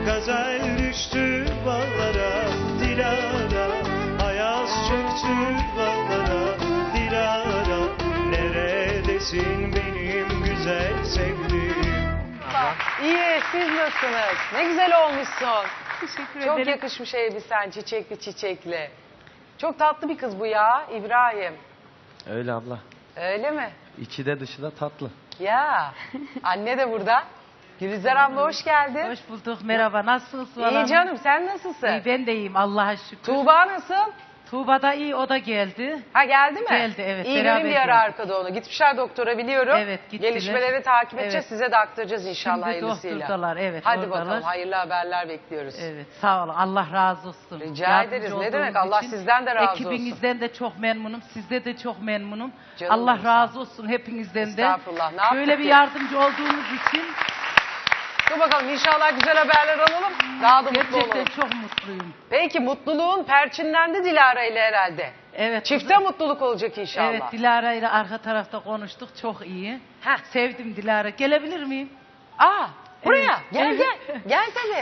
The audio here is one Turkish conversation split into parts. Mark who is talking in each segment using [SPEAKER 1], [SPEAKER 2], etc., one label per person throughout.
[SPEAKER 1] Gazel düştü bağlara Dilara, ayaz çöktü bağlara Dilara, neredesin benim güzel sevdiğim?
[SPEAKER 2] İyi, siz nasılsınız? Ne güzel olmuşsun.
[SPEAKER 3] Teşekkür
[SPEAKER 2] Çok
[SPEAKER 3] ederim.
[SPEAKER 2] yakışmış elbisen, çiçekli çiçekli. Çok tatlı bir kız bu ya, İbrahim.
[SPEAKER 4] Öyle abla.
[SPEAKER 2] Öyle mi?
[SPEAKER 4] İçi de dışı da tatlı.
[SPEAKER 2] Ya, anne de burada. Gülizar abla hoş geldin.
[SPEAKER 3] Hoş bulduk. Merhaba. Nasılsınız?
[SPEAKER 2] İyi canım, sen nasılsın?
[SPEAKER 3] İyi, ben de iyiyim. Allah'a şükür.
[SPEAKER 2] Tuğba nasıl?
[SPEAKER 3] Tuğba da iyi. O da geldi.
[SPEAKER 2] Ha geldi mi?
[SPEAKER 3] Geldi, evet,
[SPEAKER 2] İyi
[SPEAKER 3] beraber
[SPEAKER 2] görün bir ara
[SPEAKER 3] geldik.
[SPEAKER 2] arkada onu. Gitmişler doktora biliyorum.
[SPEAKER 3] Evet, gittiler.
[SPEAKER 2] Gelişmeleri takip edeceğiz.
[SPEAKER 3] Evet.
[SPEAKER 2] Size de aktaracağız inşallah
[SPEAKER 3] Şimdi
[SPEAKER 2] hayırlısıyla.
[SPEAKER 3] doktordalar, evet,
[SPEAKER 2] Hadi
[SPEAKER 3] oradalar.
[SPEAKER 2] bakalım hayırlı haberler bekliyoruz.
[SPEAKER 3] Evet. Sağ olun. Allah razı olsun.
[SPEAKER 2] Rica
[SPEAKER 3] Yardımcı
[SPEAKER 2] ederiz. Ne
[SPEAKER 3] olduğunuz
[SPEAKER 2] demek? Allah
[SPEAKER 3] için.
[SPEAKER 2] sizden de razı olsun.
[SPEAKER 3] Ekibinizden de çok memnunum. Sizde de çok memnunum.
[SPEAKER 2] Canım
[SPEAKER 3] Allah
[SPEAKER 2] benim,
[SPEAKER 3] razı olsun hepinizden de.
[SPEAKER 2] Estağfurullah, ne yaptık
[SPEAKER 3] Şöyle bir
[SPEAKER 2] ki?
[SPEAKER 3] yardımcı olduğunuz için
[SPEAKER 2] Dur bakalım inşallah güzel haberler alalım. Daha da mutlu
[SPEAKER 3] gerçekten
[SPEAKER 2] olalım.
[SPEAKER 3] çok mutluyum.
[SPEAKER 2] Peki mutluluğun perçinlendi Dilara ile herhalde.
[SPEAKER 3] Evet.
[SPEAKER 2] Çifte mutluluk olacak inşallah.
[SPEAKER 3] Evet, Dilara ile arka tarafta konuştuk. Çok iyi.
[SPEAKER 2] Heh.
[SPEAKER 3] Sevdim Dilara. Gelebilir miyim?
[SPEAKER 2] Aa, buraya.
[SPEAKER 3] Evet.
[SPEAKER 2] Gel
[SPEAKER 3] Evet.
[SPEAKER 2] gel. Gel tabii.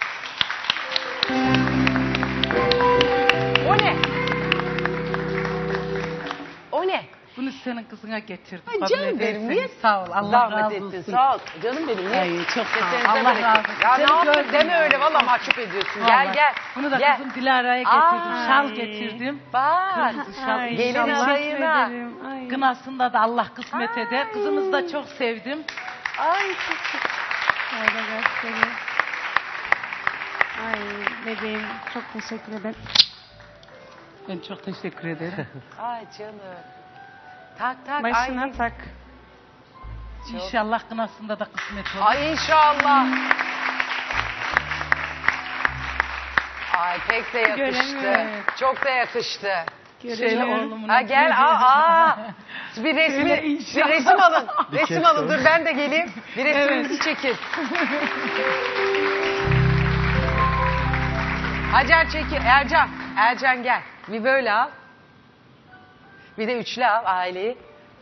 [SPEAKER 2] O ne? O ne?
[SPEAKER 3] Bunu senin kızına getirdim.
[SPEAKER 2] Ay
[SPEAKER 3] Kabul
[SPEAKER 2] canım
[SPEAKER 3] edersen.
[SPEAKER 2] benim, niye?
[SPEAKER 3] Sağ ol. Allah
[SPEAKER 2] Zahmet
[SPEAKER 3] razı
[SPEAKER 2] ettin.
[SPEAKER 3] olsun.
[SPEAKER 2] Sağ ol. Canım benim. Niye?
[SPEAKER 3] Ay, çok sağ ol.
[SPEAKER 2] Kesenize
[SPEAKER 3] Allah
[SPEAKER 2] bereket.
[SPEAKER 3] razı olsun.
[SPEAKER 2] Ya ne
[SPEAKER 3] Seni
[SPEAKER 2] yaptın?
[SPEAKER 3] gördüm
[SPEAKER 2] Deme
[SPEAKER 3] ya.
[SPEAKER 2] öyle. Valla mahcup ediyorsun. Gel
[SPEAKER 3] Vallahi.
[SPEAKER 2] gel.
[SPEAKER 3] Bunu da
[SPEAKER 2] Gel.
[SPEAKER 3] kızım Dilara'ya getirdim.
[SPEAKER 2] Ay.
[SPEAKER 3] Şal getirdim.
[SPEAKER 2] Bak.
[SPEAKER 3] Kırmızı şal.
[SPEAKER 2] Ay, gelin
[SPEAKER 3] İnşallah
[SPEAKER 2] adayına.
[SPEAKER 3] kınasında da Allah kısmet
[SPEAKER 2] Ay.
[SPEAKER 3] eder. Kızımızı da çok sevdim.
[SPEAKER 2] Ay
[SPEAKER 5] Şöyle göstereyim. Ay bebeğim çok teşekkür ederim.
[SPEAKER 3] Ben çok teşekkür ederim.
[SPEAKER 2] Ay canım. Tak tak.
[SPEAKER 5] Başına
[SPEAKER 2] ay.
[SPEAKER 5] tak.
[SPEAKER 3] İnşallah kınasında da kısmet olur.
[SPEAKER 2] Ay inşallah. Ay pek de yakıştı.
[SPEAKER 5] Göremiyorum.
[SPEAKER 2] Çok da yakıştı.
[SPEAKER 3] Şöyle oğlumun.
[SPEAKER 2] Ha gel bir
[SPEAKER 3] Şöyle
[SPEAKER 2] bir
[SPEAKER 3] inşallah.
[SPEAKER 2] resim alın.
[SPEAKER 4] Bir
[SPEAKER 2] Resim
[SPEAKER 4] kez
[SPEAKER 2] alın.
[SPEAKER 4] sonra.
[SPEAKER 2] Dur ben de geleyim. Bir resmimizi çekin. Hacer çekin. Ercan gel. Bir böyle al. Bir de üçlü al aileyi.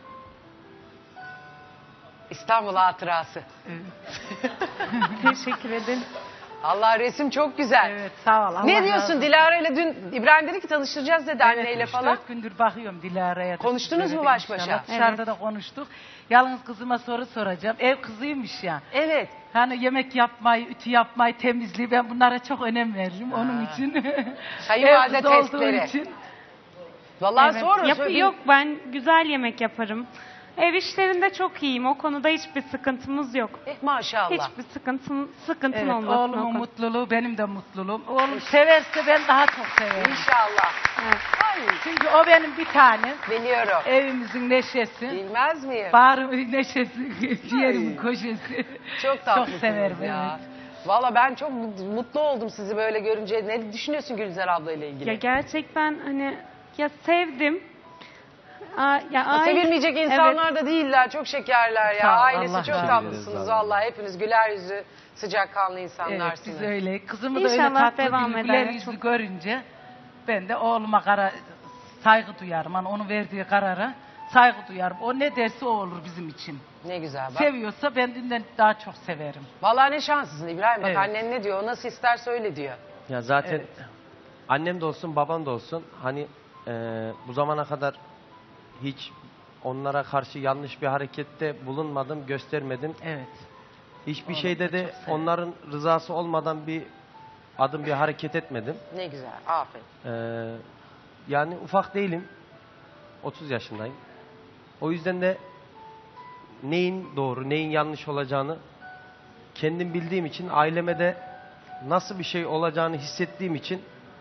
[SPEAKER 2] İstanbul hatırası.
[SPEAKER 5] Teşekkür ederim.
[SPEAKER 2] Allah resim çok güzel.
[SPEAKER 3] Evet, sağ ol. Allah
[SPEAKER 2] Ne
[SPEAKER 3] razı
[SPEAKER 2] diyorsun
[SPEAKER 3] olsun.
[SPEAKER 2] Dilara ile dün İbrahim dedi ki tanıştıracağız dedi anneyle
[SPEAKER 3] Evet,
[SPEAKER 2] falan.
[SPEAKER 3] 3-4 gündür bakıyorum Dilara'ya. da.
[SPEAKER 2] Konuştunuz mu
[SPEAKER 3] Söyledim
[SPEAKER 2] baş başa?
[SPEAKER 3] inşallah. Dışarıda da konuştuk. Yalnız kızıma soru soracağım. Ev kızıymış ya.
[SPEAKER 2] Evet.
[SPEAKER 3] Hani yemek yapmayı, ütü yapmayı, temizliği ben bunlara çok önem veririm onun için.
[SPEAKER 2] Kayınvalide
[SPEAKER 3] Ev kızı olduğu
[SPEAKER 2] testleri.
[SPEAKER 3] için.
[SPEAKER 2] Vallahi
[SPEAKER 5] Evet.
[SPEAKER 2] sonra
[SPEAKER 5] Yok ben güzel yemek yaparım. Ev işlerinde çok iyiyim. O konuda hiçbir sıkıntımız yok.
[SPEAKER 2] Maşallah.
[SPEAKER 5] Hiçbir sıkıntın
[SPEAKER 3] Evet,
[SPEAKER 5] olmasın o
[SPEAKER 3] oğlumun
[SPEAKER 5] konuda.
[SPEAKER 3] mutluluğu benim de mutluluğum. Oğlum severse ben daha çok severim.
[SPEAKER 2] İnşallah.
[SPEAKER 5] Evet.
[SPEAKER 2] Ay,
[SPEAKER 3] Çünkü o benim bir tanem.
[SPEAKER 2] biliyorum.
[SPEAKER 3] Evimizin neşesi.
[SPEAKER 2] Bilmez miyim?
[SPEAKER 3] Bağrımın neşesi, ciğerimin koşesi.
[SPEAKER 2] Çok tatlısınız
[SPEAKER 3] Çok severim,
[SPEAKER 2] ya.
[SPEAKER 3] evet.
[SPEAKER 2] Valla ben çok mutlu oldum sizi böyle görünce. Ne düşünüyorsun Gülizar abla ile ilgili?
[SPEAKER 5] Ya gerçekten hani ya sevdim.
[SPEAKER 2] Sevilmeyecek insanlar da değiller. Çok şekerler ya.
[SPEAKER 3] Sağ ol,
[SPEAKER 2] Ailesi
[SPEAKER 3] Allah
[SPEAKER 2] çok
[SPEAKER 3] razı
[SPEAKER 2] tatlısınız
[SPEAKER 4] olsun.
[SPEAKER 2] valla. Hepiniz güler yüzü, sıcakkanlı
[SPEAKER 3] Evet,
[SPEAKER 2] insanlarsınız.
[SPEAKER 3] biz öyle. Kızımı da öyle
[SPEAKER 5] İnşallah
[SPEAKER 3] tatlı
[SPEAKER 5] devam
[SPEAKER 3] bir
[SPEAKER 5] eder.
[SPEAKER 3] güler yüzlü görünce ben de oğluma saygı duyarım. Hani onun verdiği karara saygı duyarım. O ne derse o olur bizim için.
[SPEAKER 2] Ne güzel bak.
[SPEAKER 3] Seviyorsa ben dünden daha çok severim.
[SPEAKER 2] Valla ne şanslısın İbrahim. Bak
[SPEAKER 3] Evet.
[SPEAKER 2] annen ne diyor? O nasıl isterse öyle diyor.
[SPEAKER 4] Ya zaten
[SPEAKER 3] Evet.
[SPEAKER 4] annem de olsun babam da olsun hani bu zamana kadar hiç onlara karşı yanlış bir harekette bulunmadım, göstermedim.
[SPEAKER 3] Evet.
[SPEAKER 4] Hiçbir
[SPEAKER 3] Oğlum
[SPEAKER 4] şeyde
[SPEAKER 3] da
[SPEAKER 4] de
[SPEAKER 3] çok severim.
[SPEAKER 4] onların rızası olmadan bir adım bir hareket etmedim.
[SPEAKER 2] Ne güzel. Aferin.
[SPEAKER 4] Yani ufak değilim. 30 yaşındayım. O yüzden de neyin doğru, neyin yanlış olacağını kendim bildiğim için, aileme de nasıl bir şey olacağını hissettiğim için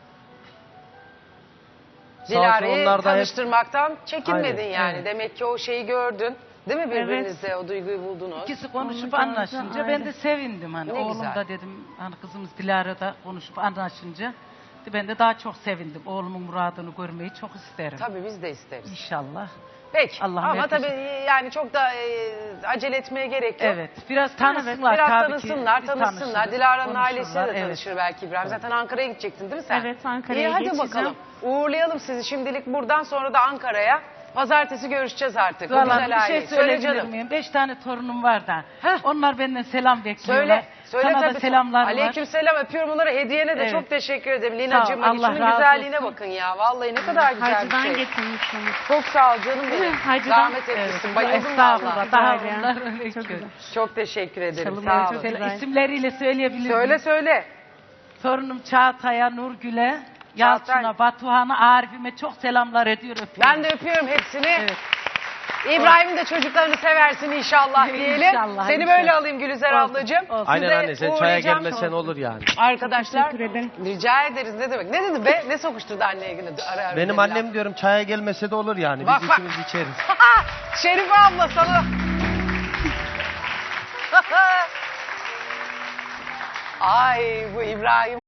[SPEAKER 4] sağ olsun
[SPEAKER 2] Dilara'yı
[SPEAKER 4] onlar da hep
[SPEAKER 2] tanıştırmaktan çekinmedin
[SPEAKER 4] Aynen,
[SPEAKER 2] yani.
[SPEAKER 3] evet.
[SPEAKER 2] Demek ki o şeyi gördün. Değil mi birbirinizde o duyguyu buldunuz?
[SPEAKER 3] İkisi konuşup
[SPEAKER 5] Onu
[SPEAKER 3] anlaşınca
[SPEAKER 5] gördüm,
[SPEAKER 3] ben de
[SPEAKER 5] öyle.
[SPEAKER 3] sevindim. Hani
[SPEAKER 2] Ne
[SPEAKER 3] oğlum
[SPEAKER 2] güzel.
[SPEAKER 3] da dedim hani kızımız Dilara da konuşup anlaşınca ben de daha çok sevindim. Oğlumun muradını görmeyi çok isterim.
[SPEAKER 2] Tabii biz de isteriz.
[SPEAKER 3] İnşallah.
[SPEAKER 2] Peki
[SPEAKER 3] Allah'ım
[SPEAKER 2] ama
[SPEAKER 3] herkese-
[SPEAKER 2] tabii yani çok da acele etmeye gerek yok.
[SPEAKER 3] Evet. Biraz tanısınlar
[SPEAKER 2] Biraz
[SPEAKER 3] tabii
[SPEAKER 2] tanısınlar,
[SPEAKER 3] ki. Biz
[SPEAKER 2] tanışsınlar.
[SPEAKER 3] tanışırız,
[SPEAKER 2] Dilara'nın ailesiyle de
[SPEAKER 3] konuşurlar,
[SPEAKER 2] tanışır belki İbrahim. Zaten Ankara'ya gidecektin değil mi sen?
[SPEAKER 5] Evet, Ankara'ya
[SPEAKER 2] İyi hadi
[SPEAKER 5] geçeceğim.
[SPEAKER 2] bakalım. Uğurlayalım sizi şimdilik buradan sonra da Ankara'ya. Pazartesi görüşeceğiz artık. Bu
[SPEAKER 3] Valla
[SPEAKER 2] güzel
[SPEAKER 3] bir şey
[SPEAKER 2] aile. Söyle
[SPEAKER 3] söyleyebilir
[SPEAKER 2] canım.
[SPEAKER 3] miyim? 5 tane torunum var da.
[SPEAKER 2] Heh.
[SPEAKER 3] Onlar benden selam bekliyorlar.
[SPEAKER 2] Söyle. Söyle
[SPEAKER 3] Sana
[SPEAKER 2] tabii.
[SPEAKER 3] da selamlar var.
[SPEAKER 2] Aleykümselam, öpüyorum onları. Hediyene de
[SPEAKER 3] Evet.
[SPEAKER 2] çok teşekkür ederim.
[SPEAKER 3] Sağ
[SPEAKER 2] Lina'cığım
[SPEAKER 3] ol,
[SPEAKER 2] bak
[SPEAKER 3] Allah
[SPEAKER 2] şunun
[SPEAKER 3] razı
[SPEAKER 2] güzelliğine
[SPEAKER 3] olsun.
[SPEAKER 2] bakın ya. Vallahi ne kadar güzel bir
[SPEAKER 5] Hacı'dan
[SPEAKER 2] şey.
[SPEAKER 5] getirmişsiniz.
[SPEAKER 2] Çok sağ ol canım benim.
[SPEAKER 5] Hacı'dan.
[SPEAKER 2] Zahmet etmişsin. Bayıldım
[SPEAKER 3] Estağfurullah.
[SPEAKER 2] valla.
[SPEAKER 3] Daha
[SPEAKER 5] Güzel ya.
[SPEAKER 3] bunlar öyle
[SPEAKER 5] Çok
[SPEAKER 3] ki.
[SPEAKER 5] güzel.
[SPEAKER 2] Çok teşekkür ederim.
[SPEAKER 5] Çalımlar
[SPEAKER 2] Sağ
[SPEAKER 5] çok
[SPEAKER 2] olun.
[SPEAKER 5] güzel.
[SPEAKER 3] İsimleriyle söyleyebilir
[SPEAKER 2] Söyle
[SPEAKER 3] miyim?
[SPEAKER 2] söyle.
[SPEAKER 3] Torunum Çağatay'a, Nurgül'e,
[SPEAKER 2] Çağatay.
[SPEAKER 3] Yalçın'a, Batuhan'a, Arif'ime çok selamlar ediyor. Öpüyorum.
[SPEAKER 2] Ben de öpüyorum hepsini.
[SPEAKER 3] Evet.
[SPEAKER 2] İbrahim'in de çocuklarını seversin inşallah diyelim.
[SPEAKER 3] İnşallah,
[SPEAKER 2] Seni
[SPEAKER 3] inşallah.
[SPEAKER 2] böyle alayım Gülizar
[SPEAKER 3] Olsun,
[SPEAKER 2] ablacığım.
[SPEAKER 3] olsun.
[SPEAKER 4] Aynen
[SPEAKER 2] Size
[SPEAKER 4] anne sen çaya
[SPEAKER 2] uğrayacağım.
[SPEAKER 4] gelmesen olur yani.
[SPEAKER 2] Arkadaşlar
[SPEAKER 5] Teşekkür ederim.
[SPEAKER 2] rica ederiz. Ne demek? Ne dedi be? Ne sokuşturdu anneye yine? Ara ara
[SPEAKER 4] Benim
[SPEAKER 2] dedi
[SPEAKER 4] annem
[SPEAKER 2] laf.
[SPEAKER 4] diyorum çaya gelmese de olur yani.
[SPEAKER 2] Bak,
[SPEAKER 4] Biz
[SPEAKER 2] bak.
[SPEAKER 4] ikimiz içeriz.
[SPEAKER 2] Şerife abla sana. Ay bu İbrahim.